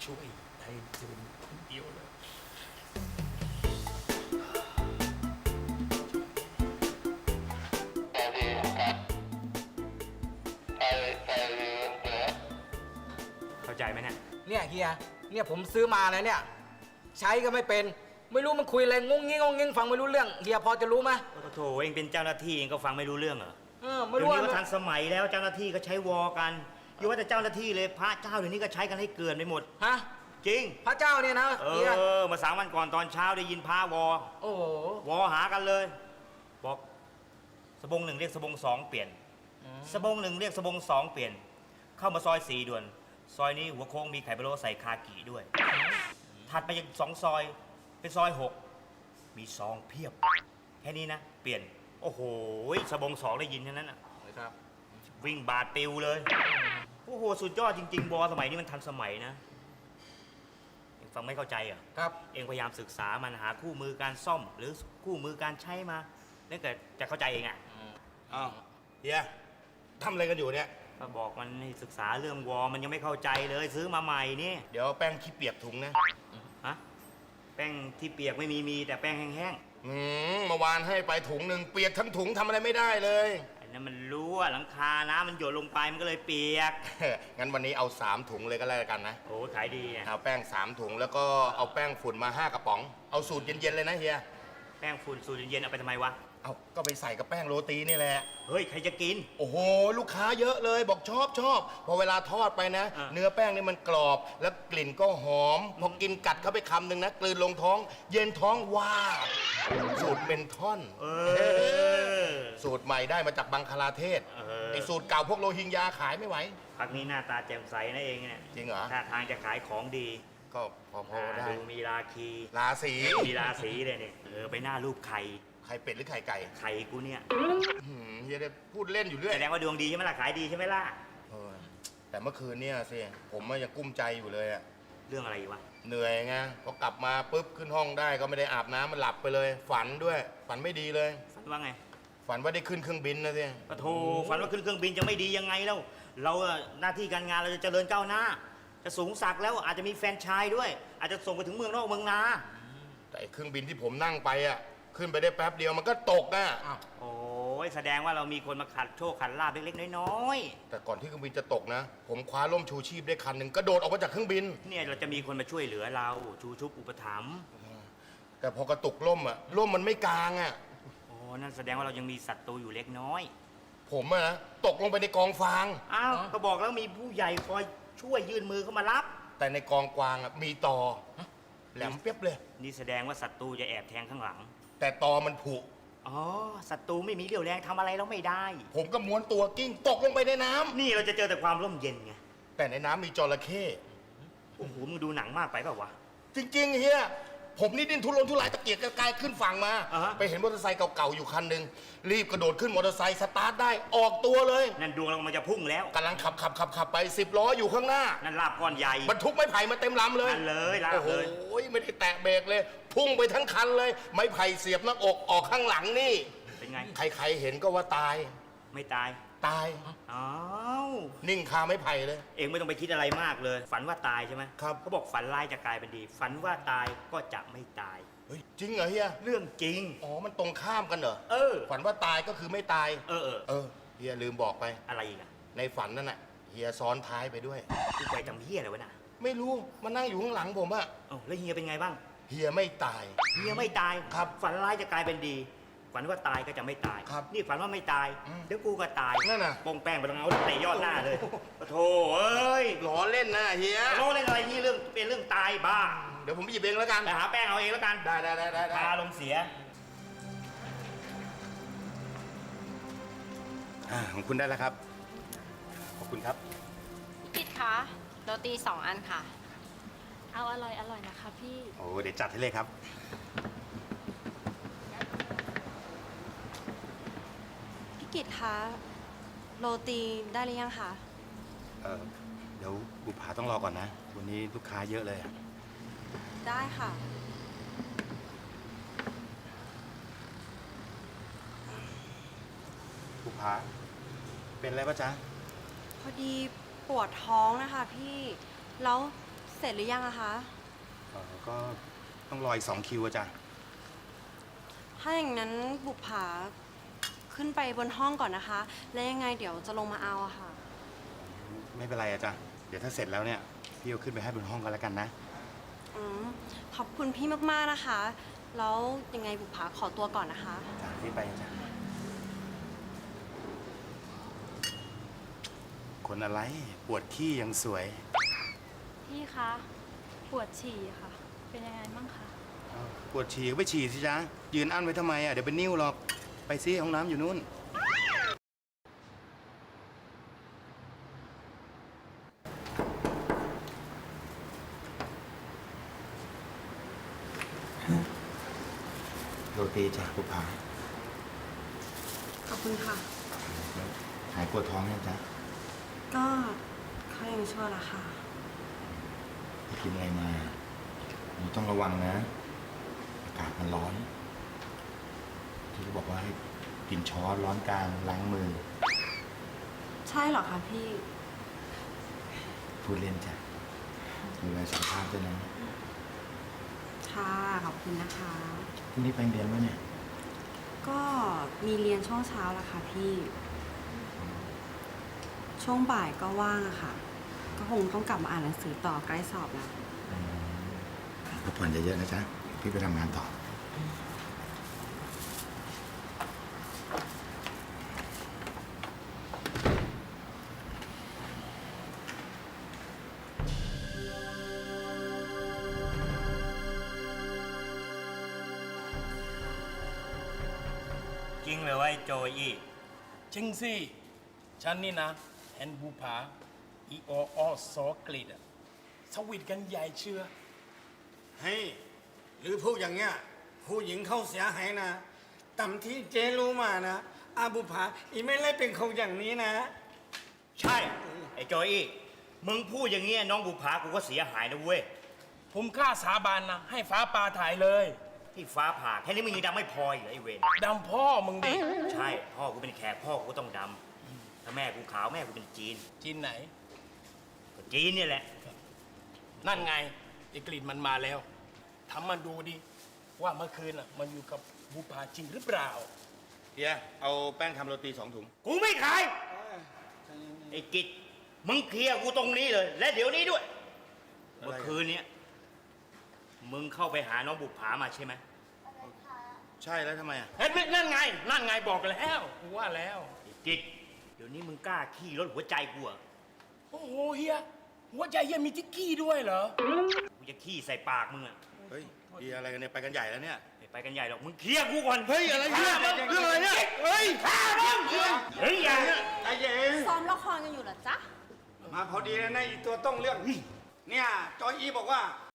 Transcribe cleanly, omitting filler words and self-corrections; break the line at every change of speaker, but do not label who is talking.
ช่วยไอ้จูนคนเดียวเลยเข้าใจไหมเนี่ย
เนี่ยเฮียเนี่ยผมซื้อมานะเนี่ยใช้ก็ไม่เป็นไม่รู้มันคุยอะไรงงงี้งงงี้ฟังไม่รู้เรื่องเฮียพอจะรู้ไหม
ก็โถเองเป็นเจ้าหน้าที่เองก็ฟังไม่รู้เรื่องเหรอ
ไม่
เดี๋ย
รู้
วนี้ก็
ว่า
ทันสมัยแล้วเจ้าหน้าที่ก็ใช้วอกันอย่าว่าแต่เจ้าหน้าที่เลยพระเจ้าเดี๋ยวนี้ก็ใช้กันให้เกินไปหมด
ฮะ
จริง
พระเจ้าเนี่ยนะเฮีย
มา3 วันก่อนตอนเช้าได้ยินพระวอ
โอ้โห
วอหากันเลยบอกสบง1เรียกสบง2เปลี่ยนสบง1เรียกสบง2เปลี่ยนเข้ามาซอย4ด่วนซอยนี้หัวโค้งมีไข่พะโล้ใส่คากิด้วยถัดไปยัง2 ซอยเป็นซอย6มีซองเพียบแค่นี้นะเปลี่ยนโอ้โหสบง2ได้ยินแค่นั้นอ่ะ
ครับ
วิ่งบาดปิวเลยโอ้โหสุดยอดจริงๆวอสมัยนี้มันทันสมัยนะเองฟังไม่เข้าใจเหรอ
ครับ
เองพยายามศึกษามันหาคู่มือการซ่อมหรือคู่มือการใช้มาแล้วเกิดจะเข้าใจเองอ่ะ
อ้าวเฮียทำอะไรกันอยู่เนี่ย
ก็บอกมันให้ศึกษาเรื่องวอมันยังไม่เข้าใจเลยซื้อมาใหม่นี่
เดี๋ยวแป้งขี้เปียกถุงนะ
ฮะแป้งที่เปียกไม่มีแต่แป้งแห้ง
เมื่อวานให้ไปถุงหนึ่งเปียกทั้งถุงทำอะไรไม่ได้เลย
ๆอันนั้นมันรู้ว่าหลังคาน้ำมันหยดลงไปมันก็เลยเปียก
งั้นวันนี้เอา3 ถุงเลยก็แล้วกันนะ
โอ้ขายดีอ่ะ
เอาแป้ง3 ถุงแล้วก็เอาแป้งฝุ่นมา5 กระป๋องเอาสูตรเย็นๆเลยนะเฮีย
แป้งฝุ่นสูตรเย็นๆเอาไปทำไมวะ
เอาก็ไปใส่กับแป้งโรตีนี่แหละ
เฮ้ยใครจะกิน
โอ้โหลูกค้าเยอะเลยบอกชอบพอเวลาทอดไปนะเนื้อแป้งนี่มันกรอบแล้วกลิ่นก็หอมพอกินกัดเข้าไปคำหนึ่งนะกลืนลงท้องเย็นท้องว้าสูตรเป็นท่อนสูตรใหม่ได้มาจากบังคลาเทศไอสูตรเก่าพวกโรฮิงญาขายไม่ไหว
พักนี้หน้าตาแจ่มใสนะเองเนี่ย
จริงเหรอ
ท่าทางจะขายของดี
ก็พอได้
ดูมีราคี
ราศี
มีราศีเลยเนี่ยไปหน้ารูปไข่
เป็ดหรือไข่ไก่
ไข่กูเนี่ย
เฮียได้พูดเล่นอยู่เรื่อย
แสดงว่าดวงดีใช่ไหมล่ะขายดีใช่ไหมล่ะ
แต่เมื่อคืนเนี่ยสิผมยังกุ้มใจอยู่เลยอะ
เรื่องอะไรวะ
เหนื่อยไงพอกลับมาปุ๊บขึ้นห้องได้ก็ไม่ได้อาบน้ำมันหลับไปเลย ฝันด้วยฝันไม่ดีเลย
ฝันว่าไง
ฝันว่าได้ขึ้นเครื่องบินนะสิ
ปะโถฝันว่าขึ้นเครื่องบินจะไม่ดียังไงแล้วเราหน้าที่การงานเราจะเจริญก้าวหน้าจะสูงสักแล้วอาจจะมีแฟนชายด้วยอาจจะส่งไปถึงเมืองนอกเมืองนา
แต่เครื่องบินที่ผมนั่งไปอะขึ้นไปได้แป๊บเดียวมันก็ตกอ่ะ
โอ้ยแสดงว่าเรามีคนมาขัดโชคขัดลาบเล็กๆน้อย
ๆแต่ก่อนที่เครื่องบินจะตกนะผมคว้าร่มชูชีพได้คันหนึ่งกระโดดออกมาจากเครื่องบิน
เนี่ยเราจะมีคนมาช่วยเหลือเราชูชุบอุปถัมภ์
แต่พอกระตุกร่มอ่ะร่มมันไม่กลางอ่ะ
โอ้นั่นแสดงว่าเรายังมีศัตรูอยู่เล็กน้อย
ผมอะนะตกลงไปในกองฟาง
อ้าวก็บอกแล้วมีผู้ใหญ่คอยช่วยยื่นมือเข้ามารับ
แต่ในกองกวางอ่ะมีตอแหลมเปียบเลย
นี่แสดงว่าศัตรูจะแอบแทงข้างหลัง
แต่ตอมันผุ
อ๋อศัตรูไม่มีเรี่ยวแรงทำอะไรเราไม่ได้
ผมก็ม้วนตัวกิ้งตกลงไปในน้ำ
นี่เราจะเจอแต่ความร่มเย็นไง
แต่ในน้ำมีจระเข้
โอ้โหมึงดูหนังมากไปเปล่าวะ
จริงๆเฮียผมนี่ดิ้นทุรนทุรายตะเกียกตะกายขึ้นฝั่งมาไปเห็นมอเตอร์ไซค์เก่าๆอยู่คันหนึ่งรีบกระโดดขึ้นมอเตอร์ไซค์สตาร์ทได้ออกตัวเลย
นั่นดวงเรามันจะพุ่งแล้ว
กำลังขับไป10 ล้ออยู่ข้างหน้า
นั่นลาบก้อนใหญ่
บรรทุกไม้ไผ่มาเต็มลำเลย
นั่นเลยลาบเลย
โอ้ยไม่ได้แตะเบรกเลยพุ่งไปทั้งคันเลยไม้ไผ่เสียบหน้าอกออกข้างหลังนี่
เป็นไง
ใครๆเห็นก็ว่าตาย
ไม่ตายอ้าว
นิ่งคาไม้ไผ่เลย
เองไม่ต้องไปคิดอะไรมากเลยฝันว่าตายใช่ไหม
ครับ
เขาบอกฝันร้ายจะกลายเป็นดีฝันว่าตายก็จะไม่ตาย
เฮ้ยจริงเหรอเฮีย
เรื่องจริง
อ๋อมันตรงข้ามกันเหรอฝันว่าตายก็คือไม่ตายเฮียลืมบอกไป
อะไรอีกอะ
ในฝันนั่นน่ะเฮียซ้อนท้ายไปด้วย
กูไปทำเฮียอะไรวะน่ะ
ไม่รู้มานั่งอยู่ข้างหลังผมอะ
แล้วเฮียเป็นไงบ้าง
เฮียไม่ตาย
ครับฝันร้ายจะกลายเป็นดีฝันว่าตายก็จะไม่ตายนี่ฝันว่าไม่ตายเดี๋ยวกูก็ตาย
นั่นน่ะ
ปงแป้งไปตรงเอาเตะยอดหน้าเลยโธ่เอ้ย
ล้อเล่นนะเฮีย
ล้อเล่นอะไรนี่เรื่องเป็นเรื่องตายบ้า
เดี๋ยวผมไปหยิบเองแล้วกัน
ไปหาแป้งเอาเองแล้วกัน
ได้
พาลงเสีย
ของคุณได้แล้วครับขอบคุณครับ
พี่คะโรตี2 อันค่ะเอาอร่อยนะคะพี่
โอ้เดี๋ยวจัดให้เลยครับ
กิจคะโรตีได้หรือยังคะ
เดี๋ยวบุภาต้องรอก่อนนะวันนี้ลูกค้าเยอะเลย
ได้ค่ะ
บุภาเป็นอะไรปะจ๊ะ
พอดีปวดท้องนะคะพี่แล้ว
เสร็จหรือยังอะคะ
ก็ต้องรออีก2 คิวอะจ้ะ
ถ้าอย่างนั้นบุปผาขึ้นไปบนห้องก่อนนะคะ แล้วยังไงเดี๋ยวจะลงมาเอาอะค่ะ
ไม่เป็นไรอะจ้ะ เดี๋ยวถ้าเสร็จแล้วเนี่ย พี่เอาขึ้นไปให้บนห้องกันแล้วกันนะ
อืมขอบคุณพี่มากๆนะคะ แล้วยังไงบุปผาขอตัวก่อนนะคะ
จ้ะรีบไปจ้ะคนอะไรปวดขี้ยังสวย
พี่คะ ปวดฉี่ค่ะ เป็นยังไงมั่งคะ
ปวดฉี่ก็ไปฉี่สิจ๊ะ ยืนอั้นไว้ทำไมอ่ะ เดี๋ยวเป็นนิ่วหรอก ไปซิห้องน้ำอยู่นู่น โรตีจ้ะบุพา
ขอบคุณค่ะ
หายปวดท้องยังจ๊ะ
ก็เขายังชั่วละค่ะ
ไปกินอะไรมาหนูต้องระวังนะ อากาศมันร้อน ที่เขาบอกว่าให้กินช้อนร้อนกลางล้างมือ
ใช่เหรอคะพี่
พูดเล่นจ้ะดูแลสุขภาพด้วยนะ
ค่ะ ขอบคุณนะคะ
พรุ่งนี้ไปเรียนไหมเนี่ย
ก็มีเรียนช่วงเช้าละค่ะพี่ ช่วงบ่ายก็ว่างอะค่ะ ก็คงต้องกลับมาอ่านหนังสือต่อใกล้สอบแล้ว
พักผ่อนเยอะๆนะจ๊ะ พี่ไปทำงานต่อ
จริงเลยว่าไอ้โจอี้
จริงสิ ฉันนี่นะเห็นบูผาอีโอออซอกลิดอะสวิตกันใหญ่เชื่อ
เฮ้ยหรือพูดอย่างเงี้ยผู้หญิงเขาเสียหายนะต่ำที่เจรู้มานะอาบุภาอีไม่ไล่เป็นคนอย่างนี้นะ
ใช่ ไอ้โจอี้มึงพูดอย่างเงี้ยน้องบุภากูก็เสียหายนะเว้ย
ผมกล้าสาบานนะ ให้ฟ้าปลาถ่ายเลย
ที่ฟ้าผ่าแค่นี้มึงยังดำไม่พออีกเหรอไอ้เวร
ดำพ่อมึงดิ
ใช่ พ่อกูเป็นแขกพ่อกูก็ต้องดำถ้าแม่กูขาวแม่กูเป็นจีน
จีนไหน
ก็จีนเนี่ยแหละ
นั่นไงไอ้กลิ่นมันมาแล้วทำมันดูดิ ว่าเมื่อคืนอ่ะ มันอยู่กับบูผาจริงหรือเปล่า
เฮีย เอาแป้งทำโรตี2 ถุง
กูไม่ขาย ไอ้กิจมึงเคลียร์กูตรงนี้เลย และเดี๋ยวนี้ด้วย
อะไรอ่ะ
เมื่อคืนเนี้ยมึงเข้าไปหาน้องบุภามาใช่ไหม
ใช่แล้วทำไมอ่ะ
เห็นไหมนั่นไง นั่นไงบอกแล้วกูว่าแล้ว
ไอ้กิจเดี๋ยวนี้มึงกล้าขี้รถหัวใจกูเหรอ
โอ้โหเฮียหัวใจเฮียมีทิกกี้ด้วยเหรอ
กูจะขี้ใส่ปากมึงอะ
เฮ้ยดีอะไรกันเนี่ย ไปกันใหญ่แล้วเนี่ย
ไม่ไปกันใหญ่หรอกมึงเคลียร์กูก่อน
เฮ้ย อะไรเนี่ยเรื่องอะไรเนี่ย เฮ้ย
ฆ่ามึงเฮ้ยอย่า
ไอ้เย็น
ซ้อมละครกันอยู่เหรอจ๊ะ
มาพอดีนะอีตัวต้องเรื่อง เนี่ยจอยอีบอกว่า